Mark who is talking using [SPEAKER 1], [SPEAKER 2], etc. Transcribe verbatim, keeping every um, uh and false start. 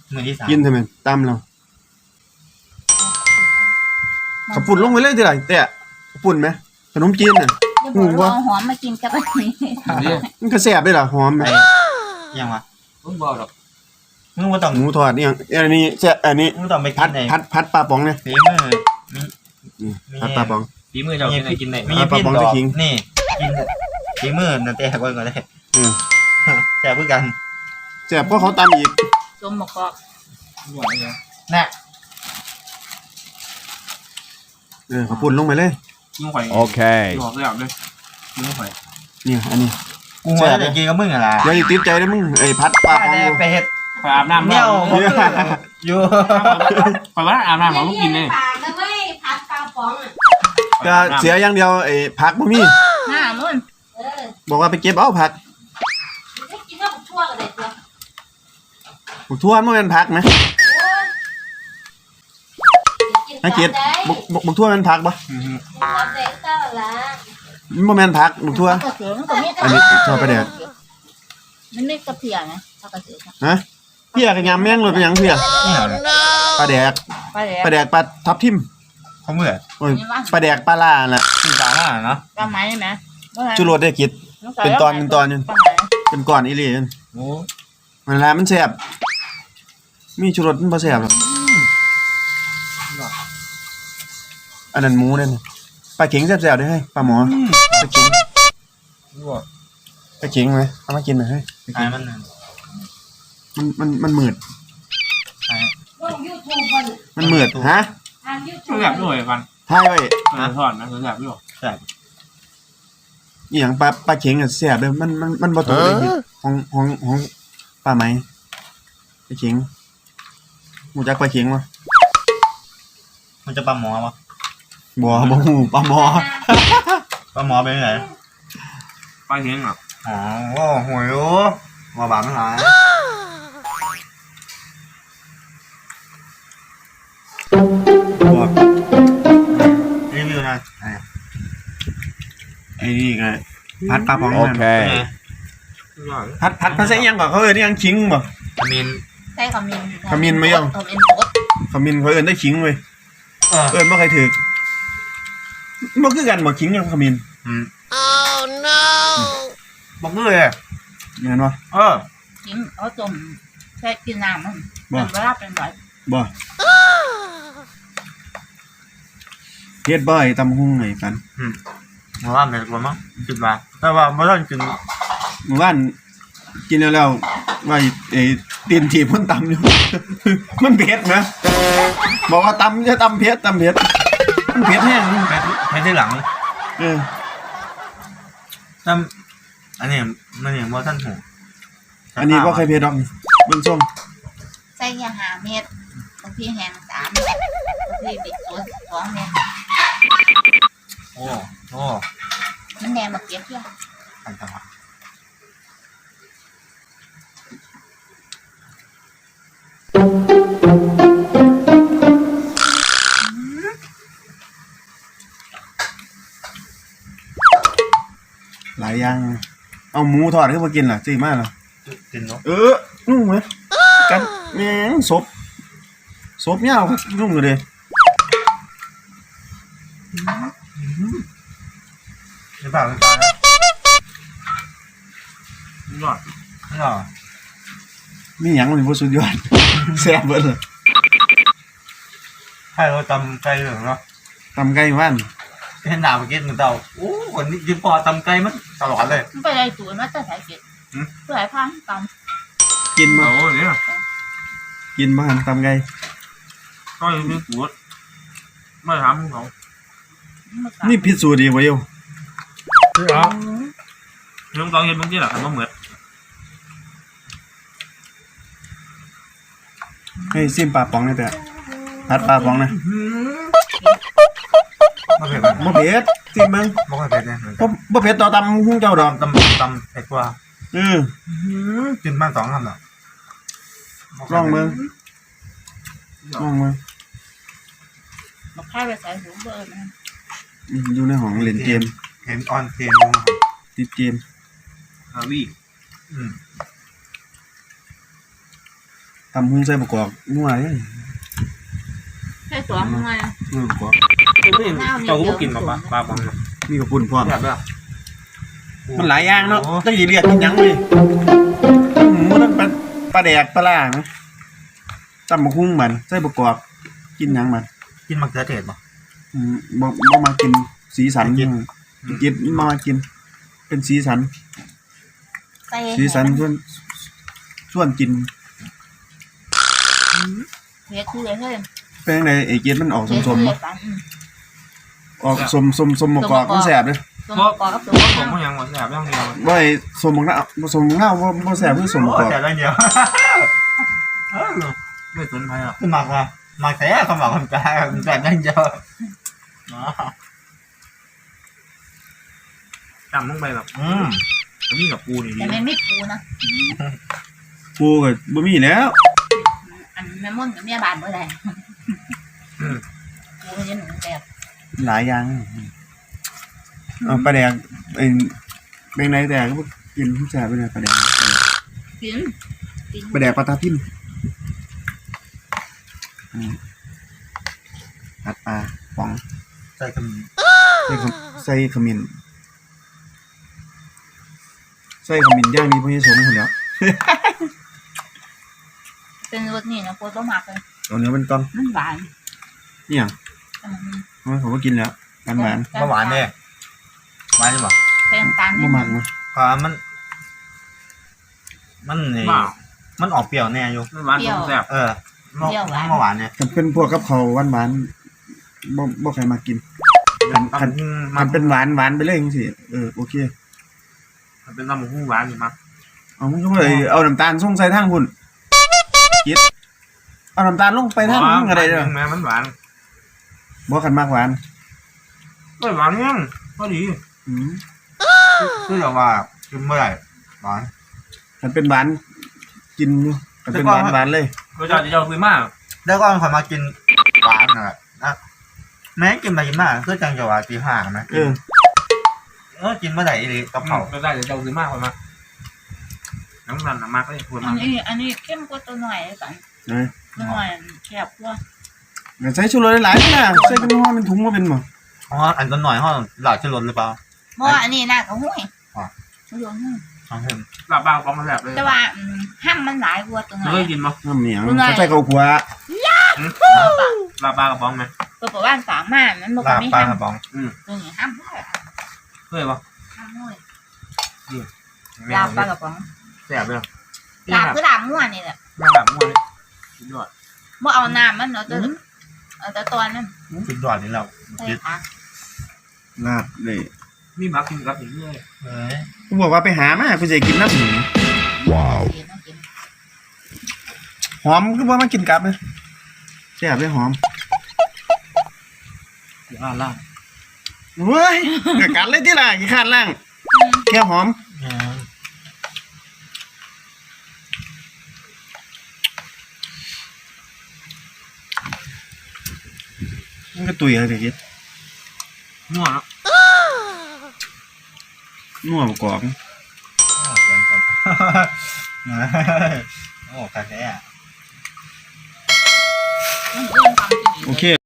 [SPEAKER 1] มือที่สาม
[SPEAKER 2] กินทำไมตามเราขับปุ่นลงไปเลยทีไรแต่ขับปุ่นไหมขนมจีนน่ะ
[SPEAKER 3] จะบอกว่าหอมมากินกับอันนี้
[SPEAKER 2] มันก็แซ่บด้วยล่ะหอมไหม
[SPEAKER 1] ยังวะ
[SPEAKER 4] มึงบอกหรอก
[SPEAKER 1] มึงว่าต้อง
[SPEAKER 2] หมูทอดนี่อันนี้แซ่บอันนี้
[SPEAKER 1] มึงต้องไปกิ
[SPEAKER 2] พัด
[SPEAKER 1] นไหน
[SPEAKER 2] พัดพัดปลาป๋องเนี่ย
[SPEAKER 1] ฝีมือมี
[SPEAKER 2] พัดปลาป๋อง
[SPEAKER 4] ฝีมือเจ้าเป็นไงกินไหน
[SPEAKER 1] มีพี่ดอกนี่กินฝีมือนั่นแต่ก่อนก็ได้แซ่บเพื่อกัน
[SPEAKER 2] แซ่บเพราะเขาตำอีก
[SPEAKER 3] ส้มหมกกอก
[SPEAKER 1] น่ะ
[SPEAKER 2] เออขับปุ่นลงไปเลย
[SPEAKER 4] มึงข่อยโอเคบอกเลยเลยมึงข่อย
[SPEAKER 2] นี่อันนี้
[SPEAKER 1] กูว่าจะกินกับมึงอะไร
[SPEAKER 2] อย่าติดใจนะมึงไอ้พัดปลาป๋อง
[SPEAKER 1] ไปเฮ็ด
[SPEAKER 4] ไปอาบน้ำ
[SPEAKER 1] เนี่ยอยู่
[SPEAKER 4] ไปว่าอาบน้ำของลูกกินเลย
[SPEAKER 3] พัดปลาป๋อง
[SPEAKER 2] ก็เสียอย่างเดียวไอ้ผักบ่มี
[SPEAKER 3] หน้ามึง
[SPEAKER 2] บอกว่าไปเก็บเอาผัก
[SPEAKER 3] กินกับทั่วกันเลยตัว
[SPEAKER 2] บุกทั่วมันเป็นผักไหมให้เก็บบุกบุกทั่วเป็นผักปะมันบ่แม่นผักบุกทั่วอันนี้ชอบไปแดก
[SPEAKER 3] มันไม่กระเพียนะชอบกระเสือ
[SPEAKER 2] ฮะเพี้ยกับยำแมงเลยเป็นยังเพี้ยปลาแดกปลาแดกปลาทับทิม
[SPEAKER 1] เขาเมื่อ
[SPEAKER 2] โอ้ยปลาแดกปลาล่าแหละ
[SPEAKER 1] ปลาล่าเนาะ
[SPEAKER 3] ปลาไม้ไหม
[SPEAKER 2] จุโรดได้กินเป็นตอนเป็นตอนนึงเป็นก้อนอีหลีนั่น
[SPEAKER 1] โอ้
[SPEAKER 2] มันละมันแซ่บมีจุโรดมันบ่แซ่บหรอกอันนั้นหมูนั่นปลาเข็งแซ่บๆได้ให้ปลาหมอปลาเข็งปลาเข็งไหมเอามากินหน่อยให้
[SPEAKER 1] มัน
[SPEAKER 2] มันมันมันมืดมันมืดฮะ
[SPEAKER 4] ต้องแบบด้วยฟัน
[SPEAKER 2] ทายไว้
[SPEAKER 4] ทอดนะแบบด้วย
[SPEAKER 1] แบบ
[SPEAKER 2] อย่างปลาปลาเข็งอ่ะแซ่บเลยมันมันมันบ่ตกเลยของของของปลาไหมปลาเข็งรู้จักปลาเข็งมั้ย
[SPEAKER 1] มันจะปลาหมอมั้ย
[SPEAKER 2] บ่บ่ฮู้ปลาหมอ
[SPEAKER 1] ปลาหมอเป็นไง
[SPEAKER 4] ปลาเข็งอ่ะ
[SPEAKER 1] อ๋อโอ้โหยมาบาดมันหาย
[SPEAKER 2] บอก
[SPEAKER 1] รีวิวนะ
[SPEAKER 2] ไอ้นี่ไงพัดปลาป๋องโอเคพัดพัดพัดใส่ยังก่อนเขาเอิ้นยังขิงบ่
[SPEAKER 1] ขมิ้น
[SPEAKER 3] ใส่ขมิ้น
[SPEAKER 2] ขมิ้นมั้ยยัง
[SPEAKER 3] ขมิ้นบด
[SPEAKER 2] ขมิ้นเขาเอิ้นได้ขิงเว้ยเอิ้นบ่ใครถูกบ่คือกันบ่ขิงกับขมิ้น
[SPEAKER 1] อืม oh no บ่คือเลย
[SPEAKER 2] แม่นบ่
[SPEAKER 1] เออ
[SPEAKER 3] ขิงเอาต้มใส่กินน้ำมันมันบ่รับเป็นบ่
[SPEAKER 2] บ่เฮ็ดบ่ไอ้ตำหุ่งไงกัน
[SPEAKER 1] อืมมาว่าแม่นบ่มั้งคิดว่าแต่ว่าบ่ทันกิน
[SPEAKER 2] เมื่อวานกินแล้วแล้วว่าไอ้ตีนถีบมันตำอยู่มันเผ็ดนะบอกว่าตำจะตำเผ็ดตำเผ็ดมันเผ็ดแห้ง
[SPEAKER 1] เผ็ดที่หลัง
[SPEAKER 2] เออ
[SPEAKER 1] ตำอันนี้มันนี่บ่ทันหู
[SPEAKER 2] อันนี้บ่เคยเผ็ดดอกเบิ่งส้ม
[SPEAKER 3] ใส่ยาห้าเม็ดบางทีแห้งสามเม็ดบางทีบิดตัวสองเม็ด
[SPEAKER 1] โอ้โอ้
[SPEAKER 3] มันแหนมมาเก็บเพื่อ
[SPEAKER 1] อันตราย
[SPEAKER 2] หลายอย่างเอาหมูทอดขึ้นมากินล่ะซื้อมาล่ะ
[SPEAKER 1] กินเนาะ
[SPEAKER 2] เออนุ่มไหมกันแม่งศพศพยาวนุ่มเลย
[SPEAKER 1] หรือเปล่าหรือเปล่านะ
[SPEAKER 4] นี่หรอ
[SPEAKER 1] นี่หรอ
[SPEAKER 2] มีหยังมันบ่สุดยอดแซ่บเบิดเลย
[SPEAKER 1] ให้เราตำไก่เหลืองเนาะ
[SPEAKER 2] ตำไก่บ้าน
[SPEAKER 1] เห็นหน้าเมื่อกี้มันเต่าโอ้คนนี้ยืนพอตำไก่มันตลอดเลย
[SPEAKER 3] มันไปไอ้ตัวมันจะใส่เก็ดเพื่อให้พังต
[SPEAKER 2] ำกินมา
[SPEAKER 4] โอ้เนี่ย
[SPEAKER 2] กินมาตำไก่
[SPEAKER 4] ก็ยังมีปวดไม่ทำเขา
[SPEAKER 2] นี่พิสูจน์ดีวะโย
[SPEAKER 4] เหรอยังตอนเห็นบางทีหรอทำมาเหมือน
[SPEAKER 2] ให้ซิมปลาป๋องนี่แต่พัดปลาป๋องนะ
[SPEAKER 1] บ่เผ็ด
[SPEAKER 2] บ่เผ็ดซิมมึง
[SPEAKER 1] บ่เผ็ดเนี่ย
[SPEAKER 2] บ่บ่เผ็ดต่อตำหุ้งเจ้าดอก
[SPEAKER 1] ตำตำเผ็ดกว่า
[SPEAKER 2] เออ
[SPEAKER 1] กินบ้านสองคำหรอ
[SPEAKER 2] ลองมึงลองมึง
[SPEAKER 3] มาพายไปใส่หูเบอร์นะ
[SPEAKER 2] อยู่ในห้องเล่นเกม
[SPEAKER 1] เห็นออนเกม
[SPEAKER 2] ติดเกม
[SPEAKER 4] ฮาวี่
[SPEAKER 1] อืม
[SPEAKER 2] ตำหุ้งใส่ประกอบนัวเลย
[SPEAKER 3] ใช่สวมทำไม
[SPEAKER 2] นัวประกอบ
[SPEAKER 4] คือไม่เห็นเจ้าก็บ่กินปลาปลาปลาบังนะ
[SPEAKER 2] นี่ก็ปุ่นพร้อม
[SPEAKER 4] แบบแบบ
[SPEAKER 2] มันหลายอย่างเนาะตั้งกี่เรียกกินหยังเลยหมูนั่นปลาปลาแดกปลาล่านะตำบักหุ้งมันใส่ประกอบกินหยังมัน
[SPEAKER 1] กินมะเขือเทศป่ะ
[SPEAKER 2] อืมบ่บ่มากินสีสัน
[SPEAKER 1] กิน
[SPEAKER 2] กินมากิน เป็นสีสัน
[SPEAKER 3] ใส่
[SPEAKER 2] สีสันส่วนส่วนกิน
[SPEAKER 3] เฮ็ดคือเลยเฮ้ย
[SPEAKER 2] เป็นจังไดไอ้เกดมันออก
[SPEAKER 3] เฮ็ด
[SPEAKER 2] สม
[SPEAKER 3] คือ
[SPEAKER 2] ๆ
[SPEAKER 3] เล
[SPEAKER 2] บ่
[SPEAKER 3] ยปัน
[SPEAKER 2] ออกสมสมสมประกอบมันแสบเลย
[SPEAKER 3] สมประกอบกับสม
[SPEAKER 4] ผมก็ยังหมดแบบย่างเดียว
[SPEAKER 2] ว่าไอ้สมบักหน้าบ่สมบักหน้าบ่บ่แสบคือสมประกอบ
[SPEAKER 1] แต่ละเดียว
[SPEAKER 4] ไม่สนใจหรอก
[SPEAKER 1] คือหมักว่ะหมักแต่เขาหมักคนกลางแบบนั่งเดียว
[SPEAKER 4] จำลงไปแบบ
[SPEAKER 1] อืม
[SPEAKER 4] นี่กับปูนี่ดี
[SPEAKER 3] แต่มันไม่ปูนะ
[SPEAKER 2] ปูก็บ่มีแล้ว
[SPEAKER 3] อันแม่ม่อนกับแม่บานบ่ได้ปูมันยังหนุ่มแซ่บ
[SPEAKER 2] หลายอย่างเอาปลาแดกไอ้เป็นไดแต่ก็บ่กินแสบไปเลยปลาแดก
[SPEAKER 3] กินกิน
[SPEAKER 2] ปลาแดกปลาตาทิ่มอืมผัดปลาป๋อง
[SPEAKER 1] ใส่กระมี
[SPEAKER 2] ใส่ขมใส่ขมิ้นใส่ขมิ้นย่างนี้พ่อเยสมคนแล้ว
[SPEAKER 3] เป็นรสนี่นะโคตรมากเลย
[SPEAKER 2] เอาเนื้อเป็นก้อน
[SPEAKER 3] มันหวาน
[SPEAKER 2] นี่อย่าง
[SPEAKER 3] อืม
[SPEAKER 2] มันผมก็กินแล้วหวานหวาน
[SPEAKER 1] เมื่อวานเนี่ยหวานใช่ป่ะ
[SPEAKER 3] เป็นน้ำตาล
[SPEAKER 2] ๆ
[SPEAKER 3] นิ
[SPEAKER 2] บ่
[SPEAKER 3] ด
[SPEAKER 2] มัก
[SPEAKER 3] นึง
[SPEAKER 2] นะ
[SPEAKER 1] เพราะมัน มันนี่
[SPEAKER 4] ว้าว
[SPEAKER 1] มันออกเปรี้ยวแน่อยู่
[SPEAKER 4] ไม่หวานผมแซ่บ
[SPEAKER 1] เออเมื่อเมื่อวานเนี่ย
[SPEAKER 2] ถ้าเป็นพวกกับเขาวหวานหวานๆบ่บ่ใครมากิน
[SPEAKER 4] มัน
[SPEAKER 2] มันเป็นหวานหวานไปเลยจังซี่เออโอเค
[SPEAKER 4] มันเป็นน้ำหูหวานอยู่มั้ง
[SPEAKER 2] เอามันก็เลยเอาน้ำตาลส่งใส่ทางพุ่นกิดเอาน้ำตาลลงไปทางมึงก็ได้เด้อ
[SPEAKER 4] แม่มันหวาน
[SPEAKER 2] บ่คันมากหวาน
[SPEAKER 4] ก็หวานยังก็ดี
[SPEAKER 2] อืม
[SPEAKER 1] คือแบบว่ากินเมื่อไหร่หวาน
[SPEAKER 2] คันเป็นหวานกินอยู่คันเป็นหวานหวานเลย
[SPEAKER 4] รสชาติจะเจ้าคือมาก
[SPEAKER 1] แล้วก็คนมากินหวานนะนะแม้กินไปกินมาก็จังจะว่าตีห้าไหม
[SPEAKER 2] เออ
[SPEAKER 1] เออกินเมื่อไหร่ดีกับเขา
[SPEAKER 4] รสชาติจะเจ้าคือมากกว่ามาน้ำมันน้ำมากก็ยังควร
[SPEAKER 3] อั
[SPEAKER 4] มาน ก
[SPEAKER 3] นี้อันนี้เข้มกว่าตัวหน่อยเลยปัน
[SPEAKER 2] เอ้ย
[SPEAKER 3] ตัวหน่อยแคบกว่า
[SPEAKER 2] งั้นใส่ชูรสหลายๆนะใส่เป็นห่อเป็นถุงมาเป็นบ่
[SPEAKER 1] อ๋ออันต้นหน่อยห้องหลอดชื่อรถหรือเปล่า
[SPEAKER 3] เพราะว่าอันนี้น่ากับหุ้ย
[SPEAKER 1] อ๋อ
[SPEAKER 3] ชุดรวมหุ้ย
[SPEAKER 1] อ๋อเห็น
[SPEAKER 4] ปลาปลากระป๋องมันแซ่บเลย
[SPEAKER 3] แต่ว่าอืมห้ามมันหลายกว่าตัวหน่
[SPEAKER 4] เค
[SPEAKER 3] อย
[SPEAKER 4] ยกินมั้ย
[SPEAKER 2] น้ำเหนียว
[SPEAKER 3] เป็นไง
[SPEAKER 2] เขาใส่ข้าวคั่ว
[SPEAKER 4] ปลาปลากระป๋องไหม
[SPEAKER 3] ตัวประว่านสามารถมันบอก
[SPEAKER 1] ลา
[SPEAKER 3] ว่า
[SPEAKER 1] บ
[SPEAKER 3] ไม่
[SPEAKER 1] ปลา
[SPEAKER 3] ห้าม
[SPEAKER 1] กระป๋อง
[SPEAKER 3] ตัวนี้ห้ามด้วย
[SPEAKER 4] เคยปะ
[SPEAKER 3] ห้ามด้วย
[SPEAKER 1] แม่
[SPEAKER 3] ลาบปลากระป๋อง
[SPEAKER 4] แซ่บเลย
[SPEAKER 3] ลาบคือลาบม่วนนี่แหละ
[SPEAKER 4] มาแบบม้วนเลยสุดยอด
[SPEAKER 3] บ่เอาน้ำมันเนาะตัวเอาแต่ตอนนั้น
[SPEAKER 1] สุดยอดนี่เรา
[SPEAKER 3] ใส่
[SPEAKER 1] คิด
[SPEAKER 3] ผัก
[SPEAKER 2] ลาบเลย
[SPEAKER 4] มีมักกินกับอย่างนี้เลย
[SPEAKER 1] เฮ้ย
[SPEAKER 2] กูบอกว่าไปหามากูจะกินน้ำหมู
[SPEAKER 3] เดี๋ยวต้องกิน
[SPEAKER 2] หอมคือว่ามากินกับเลยแซ่บเลยหอม
[SPEAKER 4] อยู่อ่านล่าง
[SPEAKER 2] เว้ยกะกัดเลยที่ล่ะกี่ขาดล่างแค่หอม
[SPEAKER 1] อืม
[SPEAKER 2] มันก็ตุยอะไรกิด
[SPEAKER 4] นัวเนาะ
[SPEAKER 2] นัวประกอบ
[SPEAKER 1] โอ้เกินก่อนโอ้คาแค่
[SPEAKER 3] มันเอื้อมความจริง
[SPEAKER 2] โอเค